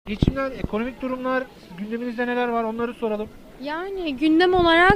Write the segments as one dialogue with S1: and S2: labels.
S1: Geçimler, ekonomik durumlar, gündeminizde neler var onları soralım.
S2: Yani gündem olarak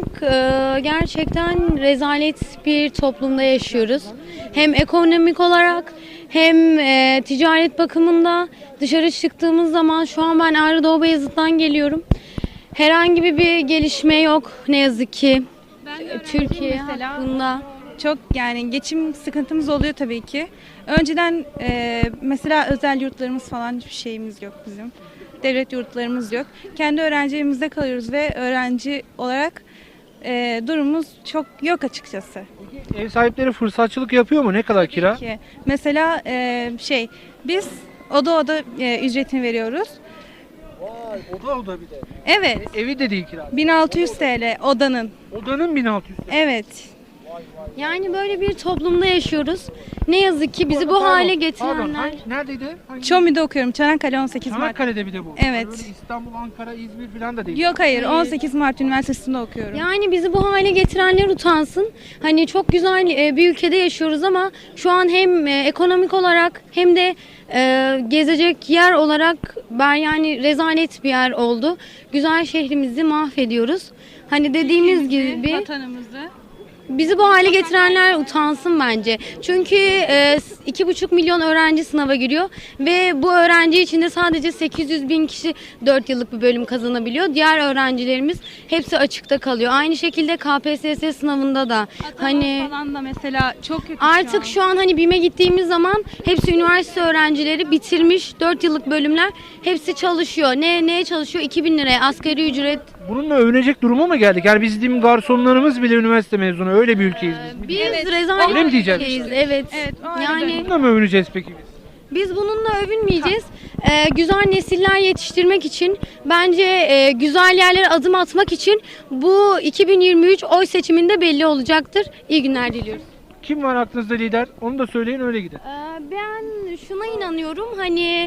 S2: gerçekten rezalet bir toplumda yaşıyoruz. Hem ekonomik olarak hem ticaret bakımında dışarı çıktığımız zaman şu an ben Ağrı Doğu Beyazıt'tan geliyorum. Herhangi bir gelişme yok ne yazık ki Türkiye hakkında.
S3: Çok yani geçim sıkıntımız oluyor tabii ki. Önceden mesela özel yurtlarımız falan hiçbir şeyimiz yok bizim. Devlet yurtlarımız yok. Kendi öğrenci kalıyoruz ve öğrenci olarak durumumuz çok yok açıkçası.
S1: Ev sahipleri fırsatçılık yapıyor mu? Ne kadar kira?
S3: Ki mesela biz oda ücretini veriyoruz.
S1: Vay, oda bir de.
S3: Evet.
S1: Evi de değil kira.
S3: 1600 TL odanın.
S1: Odanın 1600 TL.
S3: Evet.
S2: Yani böyle bir toplumda yaşıyoruz. Ne yazık ki bizi bu hale getirenler.
S1: Neredeydi? Hangi?
S3: Çomi'de okuyorum. Çanakkale 18 Mart.
S1: Çanakkale'de bir de bu.
S3: Evet.
S1: Öyle İstanbul, Ankara, İzmir falan da değil.
S3: Yok hayır 18 Mart Üniversitesi'nde okuyorum.
S2: Yani bizi bu hale getirenler utansın. Hani çok güzel bir ülkede yaşıyoruz ama şu an hem ekonomik olarak hem de gezecek yer olarak yani rezalet bir yer oldu. Güzel şehrimizi mahvediyoruz. Hani dediğimiz gibi
S3: Vatanımızı.
S2: bizi bu hale getirenler utansın bence. Çünkü 2,5 milyon öğrenci sınava giriyor ve bu öğrenci içinde sadece 800 bin kişi 4 yıllık bir bölüm kazanabiliyor. Diğer öğrencilerimiz hepsi açıkta kalıyor. Aynı şekilde KPSS sınavında da hani
S3: falan da mesela çok kötü
S2: artık şu an hani BİM'e gittiğimiz zaman hepsi üniversite öğrencileri bitirmiş 4 yıllık bölümler hepsi çalışıyor. Neye çalışıyor? 2.000 liraya asgari ücret.
S1: Bununla övünecek duruma mı geldik? Yani bizim garsonlarımız bile üniversite mezunu. Öyle bir ülkeyiz biz.
S2: Biz
S3: Evet.
S2: rezalet
S1: Öyle mi diyeceğiz?
S2: ülkeyiz. Evet.
S3: Evet, o öyle
S2: Yani
S1: Bununla mı övüneceğiz peki biz?
S2: biz bununla övünmeyeceğiz. Güzel nesiller yetiştirmek için bence güzel yerlere adım atmak için bu 2023 oy seçiminde belli olacaktır. İyi günler diliyoruz.
S1: Kim var aklınızda lider? Onu da söyleyin öyle gidin.
S2: Ben şuna inanıyorum hani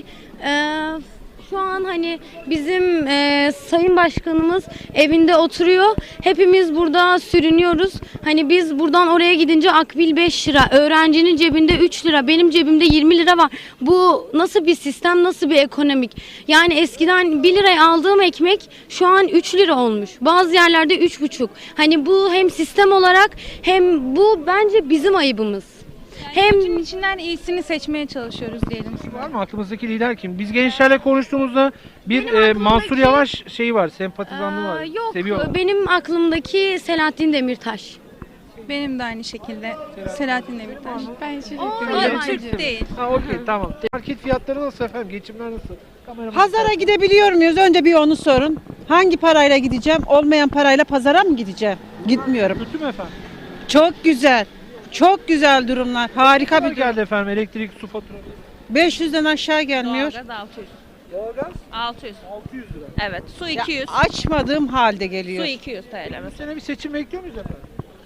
S2: şu an hani bizim Sayın Başkanımız evinde oturuyor. Hepimiz burada sürünüyoruz. Hani biz buradan oraya gidince akbil 5 lira, öğrencinin cebinde 3 lira, benim cebimde 20 lira var. Bu nasıl bir sistem, nasıl bir ekonomik? Yani eskiden 1 liraya aldığım ekmek şu an 3 lira olmuş. Bazı yerlerde 3,5. Hani bu hem sistem olarak hem bu bence bizim ayıbımız.
S3: Hem içinden iyisini seçmeye çalışıyoruz diyelim.
S1: Var mı aklımızdaki lider kim? Biz gençlerle konuştuğumuzda bir Mansur Yavaş şeyi var, sempatizanlığı var.
S2: Yok,
S1: Seviyorlar.
S2: benim aklımdaki Selahattin Demirtaş.
S3: Benim de aynı şekilde Selahattin Demirtaş. Ben
S2: Türk
S3: değil.
S1: Ha okey tamam. Market fiyatları nasıl efendim? Geçimler nasıl? Kameraman-
S4: Pazara gidebiliyor muyuz? Önce bir onu sorun. Hangi parayla gideceğim? Olmayan parayla pazara mı gideceğim? Gitmiyorum.
S1: Kötü mü efendim?
S4: Çok güzel. Çok güzel durumlar. Harika
S1: Ne
S4: bir
S1: geldi efendim? Elektrik, su faturası.
S4: 500'den aşağı gelmiyor.
S5: Doğalgaz 600.
S1: Doğalgaz
S5: 600.
S1: 600 lira.
S5: Evet. Su
S4: Ya
S5: 200.
S4: açmadığım halde
S5: Su
S4: geliyor.
S5: 200 TL
S1: Bu
S5: mesela.
S1: sene bir seçim bekliyor muyuz efendim?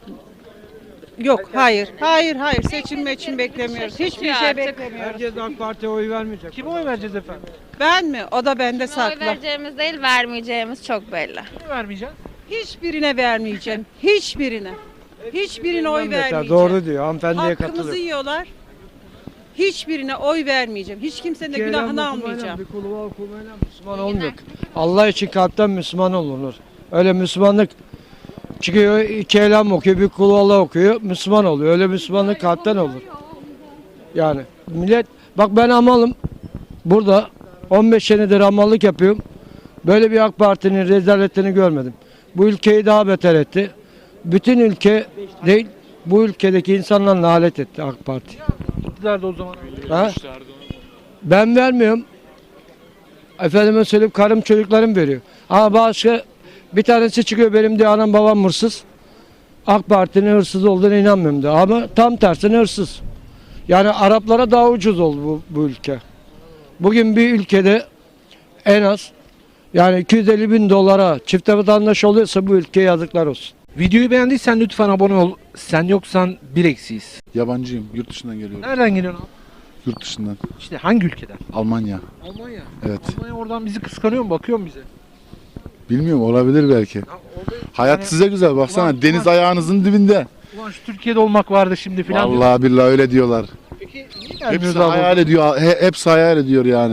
S4: Yok, hayır. Hayır. Seçim için beklemiyoruz. Hiçbir şey
S5: artık.
S4: beklemiyoruz.
S6: Herkes AK Parti'ye oy vermeyecek.
S1: Kime oy vereceğiz efendim?
S4: Ben mi? O da bende
S5: Oy
S4: saklı.
S5: vereceğimiz değil, vermeyeceğimiz çok belli.
S1: Kime vermeyeceğiz?
S4: Hiçbirine vermeyeceğim. Hiçbirine. Hiçbirine oy
S6: Yeter,
S4: vermeyeceğim.
S6: doğru diyor. Hanımefendiye
S4: Hakkımızı
S6: katılıyorum.
S4: yiyorlar. Hiçbirine oy vermeyeceğim. Hiç kimsenin de günahını almayacağım.
S6: Bir kulu var, kuluyla Müslüman olmuyor. Allah için kalpten Müslüman olunur. Öyle Müslümanlık çıkıyor, iki elham okuyor, bir kulu Allah okuyor, Müslüman oluyor. Öyle Müslümanlık kalpten olur. Yani millet, bak ben amalım. Burada 15 senedir amallık yapıyorum. Böyle bir AK Parti'nin rezaletini görmedim. Bu ülkeyi daha beter etti. Bütün ülke değil, bu ülkedeki insanlarla alet etti AK Parti.
S1: İktidarda o zaman.
S6: Ha? Ben vermiyorum. Efendime söyleyip karım çocuklarım veriyor. Ama başka bir tanesi çıkıyor benim diyor anam babam hırsız. AK Parti'nin hırsız olduğuna inanmıyorum diyor. Ama tam tersine hırsız. Yani Araplara daha ucuz oldu bu ülke. Bugün bir ülkede en az yani 250 bin dolara çifte vatandaş oluyorsa bu ülkeye yazıklar olsun.
S1: Videoyu beğendiysen lütfen abone ol. Sen yoksan bir eksiyiz.
S7: Yabancıyım. Yurt dışından geliyorum.
S1: Nereden geliyorsun abi?
S7: Yurt dışından.
S1: İşte hangi ülkeden?
S7: Almanya.
S1: Almanya.
S7: Evet.
S1: Almanya oradan bizi kıskanıyor mu? Bakıyor mu bize?
S7: Bilmiyorum, olabilir belki.
S1: Ya orada
S7: Hayat
S1: yani-
S7: size güzel. Baksana
S1: Ulan-
S7: deniz
S1: ulan-
S7: ayağınızın dibinde.
S1: Ulan şu Türkiye'de olmak vardı şimdi filan. diyor.
S7: Vallahi billahi öyle diyorlar.
S1: Peki niye
S7: Hepsi
S1: gelmiyoruz abi?
S7: hayal ediyor. Hepsi hayal ediyor yani.
S1: Niye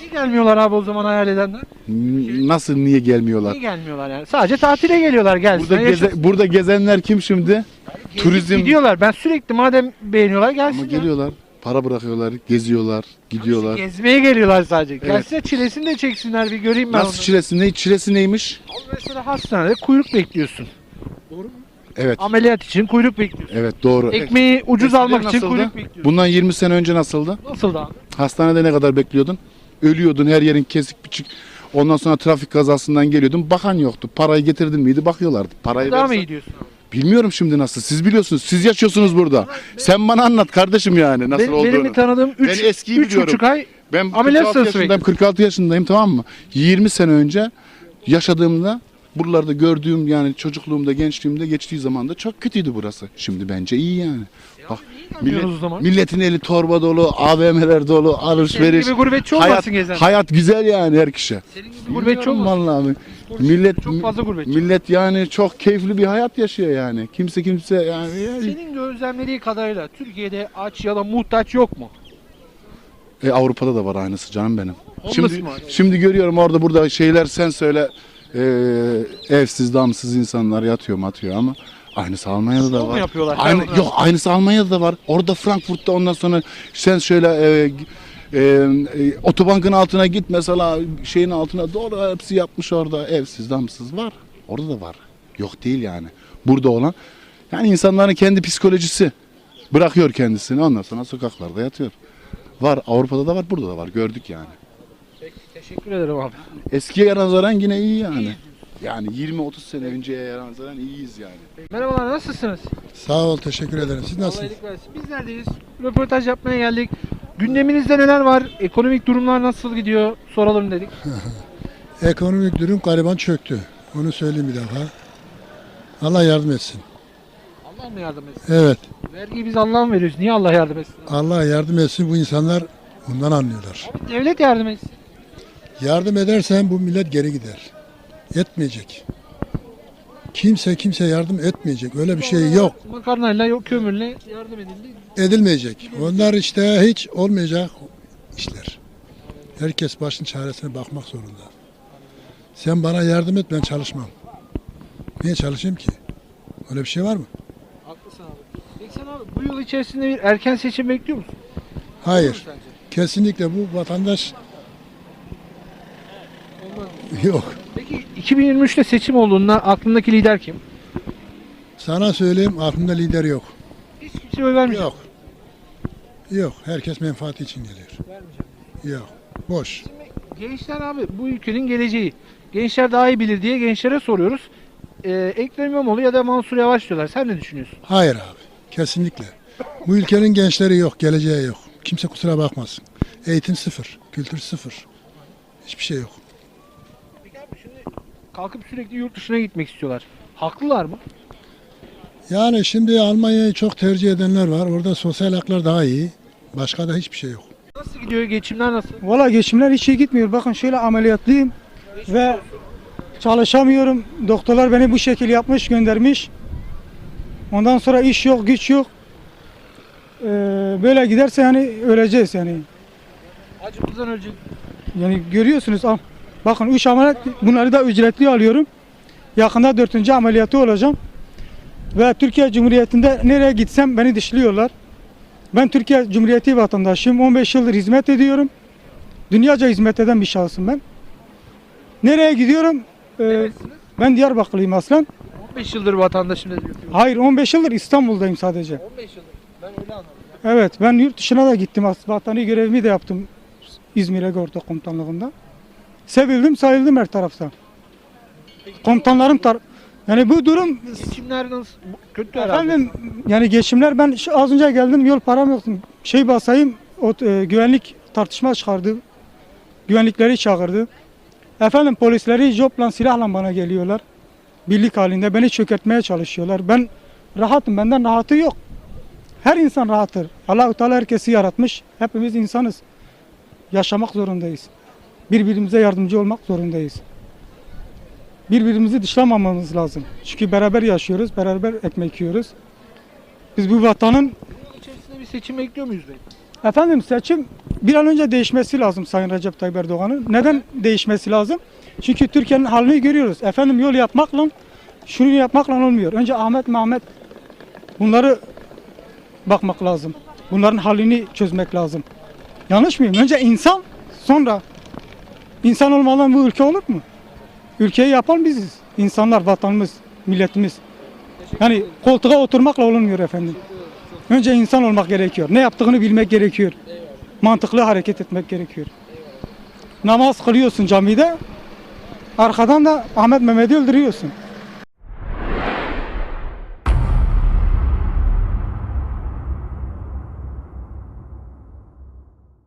S1: Niye gelmiyorlar abi o zaman hayal edenler?
S7: Nasıl niye gelmiyorlar?
S1: Niye gelmiyorlar yani? Sadece tatile geliyorlar gelsin.
S7: Burada gezenler kim şimdi? Turizm.
S1: Gidiyorlar. Ben sürekli madem beğeniyorlar gelsin.
S7: Ama geliyorlar. Para bırakıyorlar, geziyorlar, gidiyorlar.
S1: Gezmeye geliyorlar sadece.
S7: Evet.
S1: Gelsin çilesini de çeksinler bir göreyim ben
S7: Nasıl
S1: onu.
S7: çilesi? Ne çilesi neymiş?
S1: Mesela hastanede kuyruk bekliyorsun.
S7: Evet.
S1: Ameliyat için kuyruk bekliyorsun.
S7: Evet doğru.
S1: Ekmeği ucuz
S7: Eskiden
S1: almak için
S7: nasıldı?
S1: kuyruk bekliyorsun.
S7: Bundan 20 sene önce nasıldı?
S1: Nasıl da?
S7: Hastanede ne kadar bekliyordun? Ölüyordun, her yerin kesik biçik. Ondan sonra trafik kazasından geliyordun. Bakan yoktu. Parayı getirdin miydi? Bakıyorlardı. Parayı
S1: Daha mı
S7: versen-
S1: iyi diyorsun abi?
S7: Bilmiyorum şimdi nasıl. Siz biliyorsunuz. Siz yaşıyorsunuz burada. Sen bana anlat kardeşim yani nasıl olduğunu.
S1: Benim tanıdığım
S7: Ben eskiyi biliyorum.
S1: 3,5 ay
S7: Ben
S1: ameliyat
S7: 46
S1: sırası
S7: yaşındayım, 46 yaşındayım, tamam mı? 20 sene önce yaşadığımda buralarda gördüğüm, yani çocukluğumda, gençliğimde geçtiği zaman da çok kötüydü burası. Şimdi bence iyi yani. Bak
S1: gelmiyoruz o zaman.
S7: milletin eli torba dolu, AVM'ler dolu, alışveriş.
S1: Senin gibi gurbetçi
S7: hayat,
S1: olmasın gezen.
S7: hayat güzel yani her kişi.
S1: Senin gibi gurbetçi
S7: Bilmiyorum
S1: olmasın.
S7: vallahi abi. Millet
S1: Çok fazla gurbetçi.
S7: millet yani çok keyifli bir hayat yaşıyor yani. Kimse yani
S1: Senin gözlemlediği kadarıyla Türkiye'de aç ya da muhtaç yok mu?
S7: Avrupa'da da var aynısı canım benim.
S1: Homeless
S7: Şimdi,
S1: mı?
S7: şimdi görüyorum orada burada şeyler, sen söyle, evsiz damsız insanlar yatıyor ama aynısı Almanya'da da
S1: Şov mu
S7: var.
S1: yapıyorlar?
S7: Aynı,
S1: Onlar?
S7: yok aynısı Almanya'da da var. Orada Frankfurt'ta ondan sonra sen şöyle otobankın altına git mesela, şeyin altına doğru hepsi yapmış orada, evsiz damsız var. Orada da var. Yok değil yani. Burada olan yani insanların kendi psikolojisi bırakıyor kendisini, ondan sonra sokaklarda yatıyor. Var, Avrupa'da da var, burada da var. Gördük yani.
S1: Peki, teşekkür ederim abi.
S7: Eskiye nazaran yine iyi yani. Yani 20-30 sene önceye nazaran iyiyiz yani.
S1: Merhabalar, nasılsınız?
S8: Sağ ol, teşekkür ederim. Siz
S1: Allah
S8: nasılsınız?
S1: iyilik versin. Biz neredeyiz? Röportaj yapmaya geldik. Gündeminizde neler var? Ekonomik durumlar nasıl gidiyor? Soralım dedik.
S8: Ekonomik durum gariban çöktü. Onu söyleyeyim bir defa. Allah yardım etsin.
S1: Allah mı yardım etsin?
S8: Evet,
S1: Vergiyi biz Allah'a mı veriyoruz? Niye Allah yardım etsin?
S8: Allah yardım etsin. Bu insanlar bundan anlıyorlar.
S1: Abi devlet yardım etsin.
S8: Yardım edersen bu millet geri gider. Etmeyecek. Kimse yardım etmeyecek. Öyle bir şey yok.
S1: Makarnayla, yok kömürle yardım edildi.
S8: Edilmeyecek. Onlar işte hiç olmayacak işler. Herkes başın çaresine bakmak zorunda. Sen bana yardım et, ben çalışmam. Niye çalışayım ki? Öyle bir şey var mı?
S1: Haklısın abi. Peki sen abi bu yıl içerisinde bir erken seçim bekliyor musun?
S8: Hayır. Kesinlikle bu vatandaş yok.
S1: Peki 2023'te seçim olduğunda aklındaki lider kim?
S8: Sana söyleyeyim, aklımda lider yok.
S1: Hiç kimse oy vermeyecek.
S8: Yok. Yok. Herkes menfaati için geliyor. Yok. Boş.
S1: Gençler abi bu ülkenin geleceği. Gençler daha iyi bilir diye gençlere soruyoruz. Ekrem İmamoğlu ya da Mansur Yavaş diyorlar. Sen ne düşünüyorsun?
S8: Hayır abi. Kesinlikle. Bu ülkenin gençleri yok. Geleceği yok. Kimse kusura bakmasın. Eğitim sıfır. Kültür sıfır. Hiçbir şey yok.
S1: Peki abi şimdi kalkıp sürekli yurt dışına gitmek istiyorlar. Haklılar mı?
S8: Yani şimdi Almanya'yı çok tercih edenler var. Orada sosyal haklar daha iyi. Başka da hiçbir şey yok.
S1: Nasıl gidiyor? Geçimler nasıl?
S9: Valla geçimler hiç iyi gitmiyor. Bakın şöyle ameliyatlıyım ve çalışamıyorum. Doktorlar beni bu şekil yapmış, göndermiş. Ondan sonra iş yok, güç yok. Böyle giderse yani öleceğiz yani.
S1: Acımızdan ölecek.
S9: Yani görüyorsunuz. Bakın 3 ameliyat, bunları da ücretli alıyorum. Yakında 4. ameliyatı olacağım. Ve Türkiye Cumhuriyeti'nde nereye gitsem beni dışlıyorlar. Ben Türkiye Cumhuriyeti vatandaşıyım. 15 yıldır hizmet ediyorum. Dünyaca hizmet eden bir şahsım ben. Nereye gidiyorum? Ben Diyarbakırlıyım aslen.
S1: 15 yıldır vatandaşım dedi.
S9: Hayır, 15 yıldır İstanbul'dayım sadece.
S1: 15 yıldır. Ben öyle anladım.
S9: Evet, ben yurt dışına da gittim. Vatani görevimi de yaptım İzmir Egorta Komutanlığı'nda. Sevildim, sayıldım her tarafta. Komutanlarım yani bu durum
S1: Geçimler nasıl? Kötü herhalde.
S9: efendim, yani geçimler, ben az önce geldim, yol param yoktu. Basayım, güvenlik tartışma çıkardı. Güvenlikleri çağırdı. Efendim polisleri jopla, silahla bana geliyorlar. Birlik halinde beni çökertmeye çalışıyorlar. Ben rahatım, benden rahatı yok. Her insan rahattır. Allah-u Teala herkesi yaratmış. Hepimiz insanız. Yaşamak zorundayız. Birbirimize yardımcı olmak zorundayız. Birbirimizi dışlamamamız lazım. Çünkü beraber yaşıyoruz, beraber ekmek yiyoruz. Biz bu vatanın
S1: İçerisinde bir seçim bekliyor muyuz bey?
S9: Efendim seçim bir an önce değişmesi lazım Sayın Recep Tayyip Erdoğan'ın. Neden değişmesi lazım? Çünkü Türkiye'nin halini görüyoruz. Efendim yol yapmakla, şunu yapmakla olmuyor. Önce Ahmet, Mehmet bunları bakmak lazım. Bunların halini çözmek lazım. Yanlış mıyım? Önce insan, sonra insan olmadan bu ülke olur mu? Ülkeyi yapan biziz. İnsanlar, vatanımız, milletimiz. Yani koltuğa oturmakla olmuyor efendim. Önce insan olmak gerekiyor. Ne yaptığını bilmek gerekiyor. Mantıklı hareket etmek gerekiyor. Namaz kılıyorsun camide, arkadan da Ahmet Mehmet'i öldürüyorsun.